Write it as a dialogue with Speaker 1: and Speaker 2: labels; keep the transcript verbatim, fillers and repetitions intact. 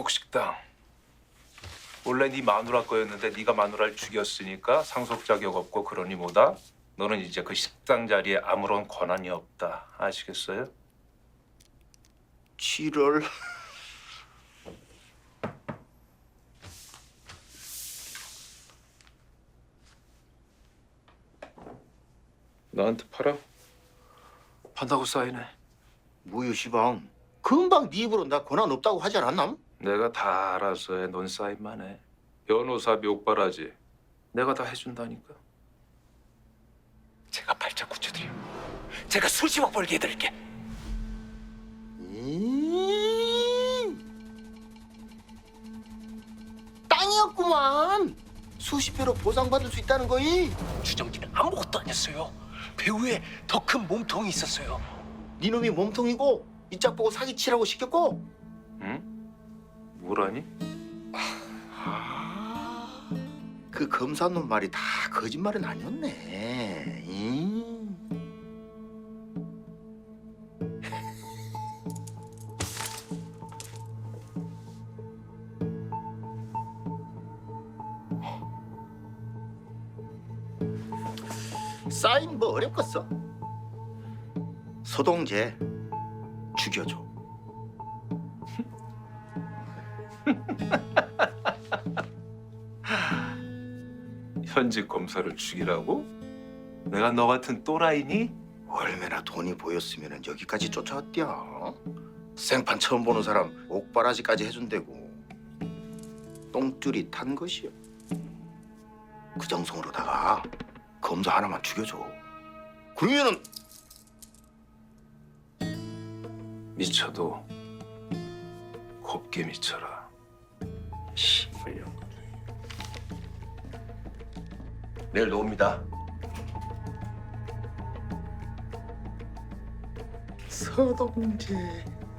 Speaker 1: 회복식당. 원래 네 마누라 거였는데 네가 마누라를 죽였으니까 상속 자격 없고 그러니 뭐다? 너는 이제 그 식당 자리에 아무런 권한이 없다. 아시겠어요?
Speaker 2: 칠월.
Speaker 1: 나한테 팔아? 판다고 사인해.
Speaker 2: 뭐요 시방? 금방 네 입으로 나 권한 없다고 하지 않았나?
Speaker 1: 내가 다 알아서 해. 넌 사인만 해. 변호사비 옥바라지. 내가 다 해준다니까.
Speaker 3: 제가 발작 구쳐드려. 제가 수십억 벌게 해드릴게.
Speaker 2: 음... 땅이었구만. 수십 배로 보상받을 수 있다는 거이.
Speaker 3: 주정기는 아무것도 아니었어요. 배우에 더 큰 몸통이 있었어요.
Speaker 2: 네 놈이 몸통이고 이 짝 보고 사기치라고 시켰고.
Speaker 1: 응? 뭐라니?
Speaker 2: 아, 그 검사놈 말이 다 거짓말은 아니었네. 음. 사인 뭐 어렵겠어? 소동재 죽여줘.
Speaker 1: 현직 검사를 죽이라고? 내가 너 같은 또라이니?
Speaker 2: 얼마나 돈이 보였으면 여기까지 쫓아왔디야. 생판 처음 보는 사람 옥바라지까지 해준대고 똥줄이 탄 것이요. 그 정성으로다가 검사 하나만 죽여줘. 그러면은
Speaker 1: 미쳐도 곱게 미쳐라.
Speaker 2: 씨발려. 내일 놓습니다. 서동재.